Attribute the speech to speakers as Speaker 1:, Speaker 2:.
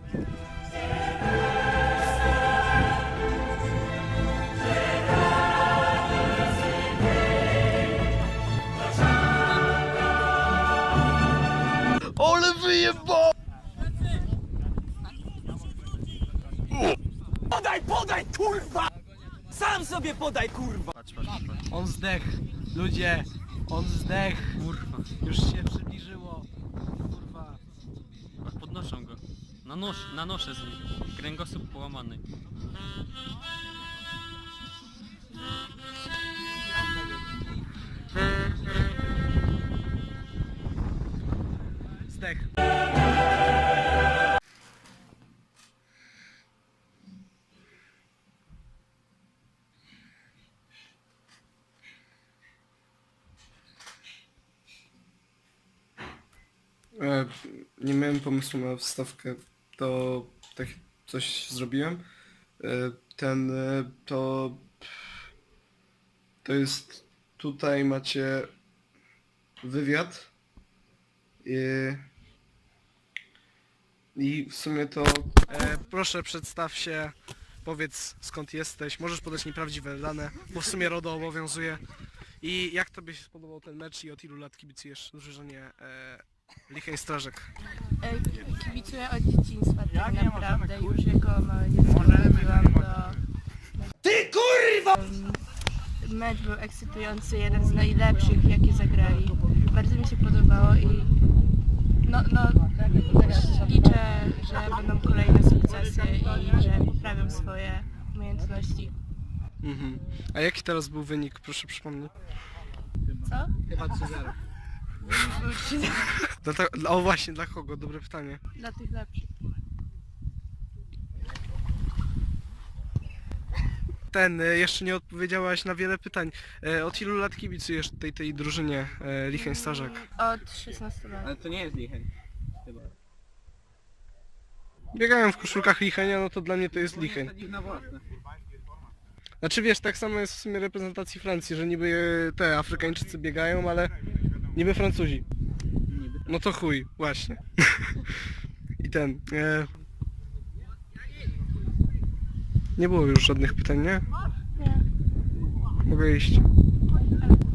Speaker 1: Ole wyjebał!
Speaker 2: Podaj, kurwa! Sam sobie podaj, kurwa!
Speaker 1: Patrz, patrz, patrz.
Speaker 3: On zdech, ludzie, on zdech.
Speaker 1: Kurwa.
Speaker 3: Już się przybliżyło. Kurwa.
Speaker 1: Podnoszą go. Na nosze z nim. Kręgosłup połamany.
Speaker 3: Zdech.
Speaker 4: Nie miałem pomysłu na wstawkę, to tak coś zrobiłem. To jest, tutaj macie wywiad i w sumie to
Speaker 3: Proszę przedstaw się, powiedz skąd jesteś, możesz podać nieprawdziwe dane, bo w sumie RODO obowiązuje. I jak tobie się spodobał ten mecz i od ilu lat kibicujesz drużynie Licheń Strażek?
Speaker 5: Kibicuję od dzieciństwa tak naprawdę, już jako małe dziecko chodziłam do...
Speaker 2: Ty kurwa!
Speaker 5: Mecz był ekscytujący, jeden z najlepszych jakie zagrali. Bardzo mi się podobało i liczę, że będą kolejne sukcesy i że poprawią swoje umiejętności.
Speaker 3: Mhm. A jaki teraz był wynik, proszę przypomnij?
Speaker 5: Co?
Speaker 3: Chyba 3-0.
Speaker 5: Był 3
Speaker 3: O właśnie, dla kogo? Dobre pytanie.
Speaker 5: dla tych lepszych.
Speaker 3: Jeszcze nie odpowiedziałaś na wiele pytań. Od ilu lat kibicujesz tej drużynie Licheń Strażak?
Speaker 5: Od 16 lat.
Speaker 2: Ale to nie jest Licheń. Chyba.
Speaker 3: Biegałem w koszulkach Lichenia, no to dla mnie to jest Licheń.
Speaker 2: Na własne.
Speaker 3: Znaczy wiesz, tak samo jest w sumie reprezentacji Francji, że niby te Afrykańczycy biegają, ale niby Francuzi. No to chuj, właśnie. I nie było już żadnych pytań, nie?
Speaker 5: Nie.
Speaker 3: Mogę iść.